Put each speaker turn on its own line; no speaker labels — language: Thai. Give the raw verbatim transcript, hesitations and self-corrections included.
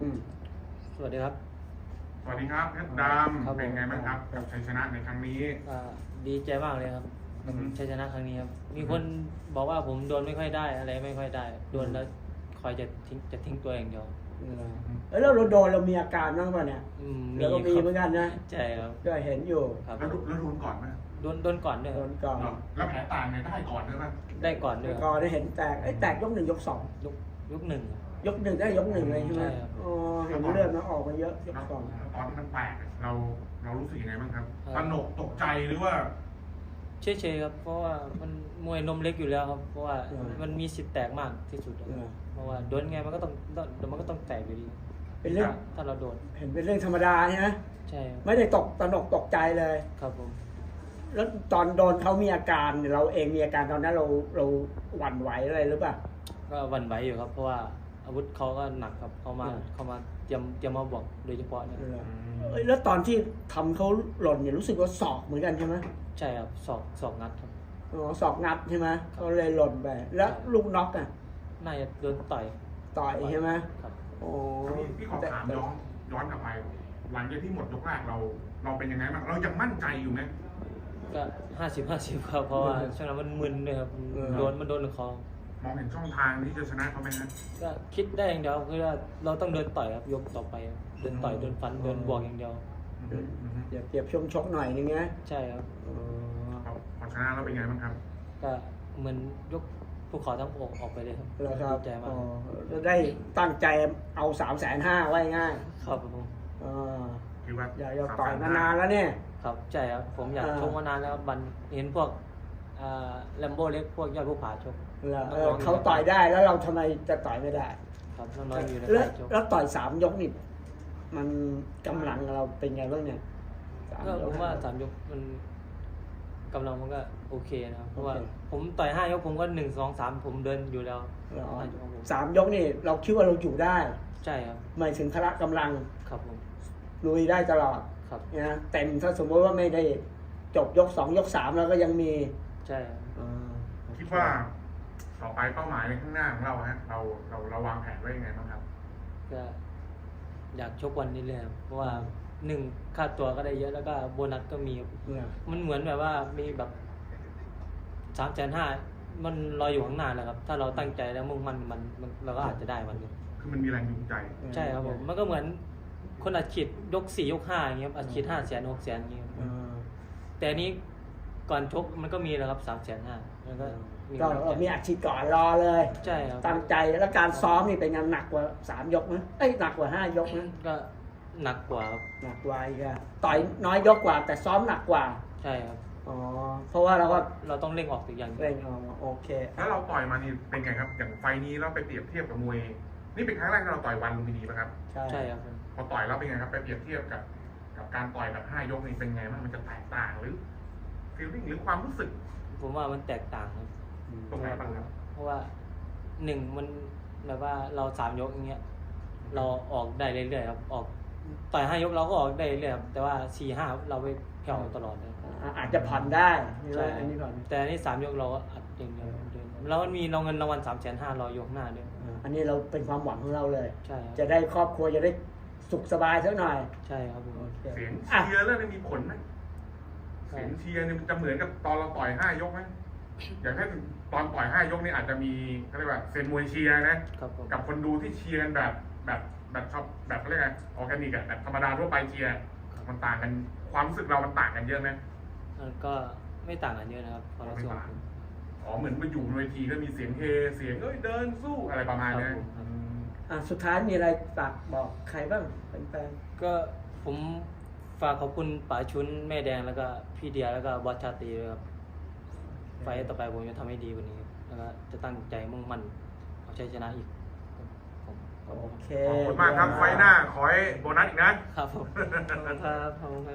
อืมสวัสดีครับ
สวัสดีครับเพชรดำเป็นไงบ้างครับกับชัยชนะในครั้งนี้
อ่าดีใจมากเลยครับกับ
อืม
ชัยชนะครั้งนี้ครับมีคนบอกว่าผมโดนไม่ค่อยได้อะไรไม่ค่อยได้โดนแล้วคอยจะทิ้งจะทิ้งตัวอย่างเดียว
เออแล้วเราโดนเรามีอาการบ้างป่ะเนี่ย
อืม
เราก็มี
ครับ
เหมือนกันนะ
ใช่ครับ
ก็เห็นอยู่
ครับ
แล้วแล้วโดนก่อนไหม
โดนโดนก่อนด้วย
โด
ครับ
นก่อน
เหรอแล้วแผลต่างเนี่ยได้ก่อนด้วยป่ะ
ได้ก่อนด้วยค
ก่
รั
อบ นได้เห็นแตกไอ้ยแตกยกหนึ่งยกสอง
ยกยกหนึ่งครับ
ยกหนึ่งได้ยกหนึ่งเลยใช่ไหม
ใช่ครับ
อ๋อเห็นเลือดมันออกมาเยอะยก
แล้ว
สอง
ตอนที่มันแตกเราเรารู้สึกยังไงบ้างครับ
ครับ
ตระหนกตกใจหรือว่า
เฉยๆครับเพราะว่ามันมวยนมเล็กอยู่แล้วครับเพราะว่ามันมีสิทธิ์แตกมากที่สุดครับเพราะว่าโดนไงมันก็ต้องเดี๋ยวมันก็ต้องแตกอยู่ดี
เป็นเรื่อง
ถ้าเราโดน
เห็นเป็นเรื่องธรรมดาใช่ไหม
ใช่ครับ
ไม่ได้ตกตระหนกตกใจเลย
ครับผม
แล้วตอนโดนเขามีอาการเราเองมีอาการตอนนั้นเราเราหวั่นไหวอะไรหรือเปล่า
ก็หวั่นไหวอยู่ครับเพราะว่าอาวุธเขาก็หนักครับเขามา
อืม
เขามาเตรียมเตรียมมาบอกโดยเฉพาะเนี่ย
เอ้ยแล้วตอนที่ทำเขาหล่นเนี่ยรู้สึกว่าศอกเหมือนกันใช่ไหม
ใช่ครับสอกสอกงัดครับ
อ๋อศอกงัดใช่ไหมเขาเลยหล่นไปแล้วลูกน็อกอ่ะ
น่าจะโดนต่อย
ต่อยใช่ไหม
ครับ
โอ้
พี่พี่ขอถามย้อนย้อนกลับไป หลังจากที่หมดยกแรกเรา เราเป็นยังไงบ้างเรายังมั่นใจอยู่ไหม
ก็ห้าสิบห้าสิบครับเพราะว่าช่วงนั้นมันมึนเลยครับโดนมันโดนคอ
มองเห็นช่องทางที่จะชนะเขาไหมฮะ
ก็คิดได้อย่างเดียวคือว่าเราต้องเดินต่อยครับยกต่อไปครับเดินต่อยเดินฟันเดินบวกอย่างเดียว
อืมอืม
เดี๋ยวเปรียบช่วงชกหน่อยนึงนะ
ใช่ครับ
อ๋อ
พอพอชนะเราเป็นไงบ้างครับ
ก็เหมือนยกภูเขาทั้งอกออกไปเลยครับ
แล้วครับ
ดีใจมา
อ๋
ก
อจะได้ตั้งใจเอาสามแสนห้าไว้ง่าย
ครับผม
อ่า
คือว่า
อยากจะต่อยมานานแล้วเนี่ย
ครับใช่ครับผมอยาก
อ่า
ชกมานานแล้วครับบันเห็นพวกแลมโบ้เล็กพวกยอดภูผาชก
แล้วเออเขาต่อยได้แล้วเราทำไมจะต่อยไม่ได้
ครับน้องๆอยู่ใน
แล้ว
ค่ายชก
แล้วต่อยสามยกนี่มันกำลังเราเป็นไงบ้างเนี่ยสาม
ก็
ย
ผ
ก
มว่าสามยกมันกำลังมันก็โอเคนะครับเพราะว่า
โอเค
ผมต่อยห้ายกผมก็หนึ่งสองสามผมเดินอยู่แล้ว
เหรอ
ห้ายกของผม
สามยกนี่เราคิดว่าเราอยู่ได้
ใช่ครับ
ไม่ถึงพละกำลัง
ครับผม
ลุยได้ตลอด
ครับ
นะเต็มถ้าสมมติว่าไม่ได้จบยกสองยกสามแล้วก็ยังมี
ใช่ครับ
คิดว่าต่อไปเป้าหมายในข้างหน้าของเราฮะเราเราเราวางแผนไว้ยังไงบ้างครับ
ก็อยากชกวันนี้เลยครับเพราะว่าหนึ่งค่าตัวก็ได้เยอะแล้วก็โบนัสก็มีครับ
เนี่ย
มันเหมือนแบบว่ามีแบบสามแสนห้ามันรออยู่ข้างหน้าแล้วครับ ถ้าเราตั้งใจแล้วมุ่งมั่นมันมันเราก็อาจจะได้วันหนึง
คือมันมีแรงจูงใจ
ใช่ครับผมมันก็เหมือนคนอัดฉีดยกสี่ยกห้าอย่างเงี้ยครับอัดฉีดห้าแสนหกแสนอย่างเงี้ยครับ
อ่า
แต่อันนี้ก่อนชกมันก็มีแล้วครับสามแสนห้ามันก็มี
ก็
กำลังใจ
มีอาชีพก่อนรอเลย
ใช่ครับ
ตั้งใจแล้วการซ้อมนี่เป็นงานหนักกว่าสามยกนะเอ้ยหนักกว่าห้ายกนะ
ก็หนักกว่าครับ
หนักกว่าอีกอะต่อยน้อยยกกว่า แต่ซ้อมหนักกว่า
ใช่ครับ
อ๋อเพราะว่าเราก็
เราต้องเร่งออกตัวอย่างเดียว
เร่งเอาโอเค
แล้วเราต่อยมานี่เป็นไงครับ อย่างไฟล์นี้เราไปเปรียบเทียบกับมวย นี่เป็นครั้งแรกที่เราต่อยวันลุมพินีป่ะครับ
ใช่
ใช่ครับผม
พอต่อยแล้วเป็นไงครับ ไปเปรียบเทียบกับ กับการต่อยแบบห้ายกนี่เป็นไงบ้างมันจะแตกต่างหรือฟีลลิ่งหรือความรู้สึก
ผมว่ามันแตกต่างครับ
ตรงไหนบ้างครับ
เพราะว่าหนึ่งมันแบบว่าเราสามยกอย่างเงี้ยเราออกได้เรื่อยๆครับออกต่อยห้ายกเราก็ออกได้เรื่อยๆครับแต่ว่าสี่ห้าเราไปแผ่วตลอดเลย
อ่าอาจจะผ่อนได้ใช่ไหม
ใช่
อันนี้ผ่อน
แต่อันนี้สามยกเราก็อัดอย่างเดียวเดินแล้วมันมีเราเงินรางวัลสามแสนห้ารอยกหน้าด้วย
อ่าอันนี้เราเป็นความหวังของเราเลย
ใช่ครับ
จะได้ครอบครัวจะได้สุขสบายสักหน่อย
ใช่ครับผม
โอเค
เสียง
อ่ะ
เชียร์เรื่องนี้มีผลไหมเสียงเชียร์เนี่ยมันจะเหมือนกับตอนเราต่อยห้ายกไหมอย่างถ้าตอนต่อยห้ายกนี่อาจจะมีเขาเรียกว่าเซนมวยเชียร์นะ
ครับผม
กับคนดูที่เชียร์กันแบบแบบแบบชอบแบบเขาเรียกไงออร์แกนิกอะแบบธรรมดาทั่วไปเชียร์มันต่างกันความรู้สึกเรามันต่างกันเยอะไหม
มันก็ไม่ต่างกันเยอะนะครับความรู้สึกของผม
อ๋อเหมือนมาอยู่บนเวทีก็มีเสียงเฮเสียงเอ้ยเดินสู้อะไรประมาณเนี้ย
ครับผม
อืม
อ่ะสุดท้ายมีอะไรฝากบอกใครบ้างแฟน
ก็ผมฝากขอบคุณป๋าชุนแม่แดงแล้วก็พี่เดียแล้วก็บอสชาตรีด้วยครับไฟต์ต่อไปผมจะทำให้ดีกว่านี้ครับแล้วก็จะตั้งใจมุ่งมั่นเอาชัยชนะอีกครับผม
ๆโอเค
ขอบคุณมากครับไฟหน้าขอให้โบนัสอีกนะ
ครับผมขอบคุณครับขอบคุณครับ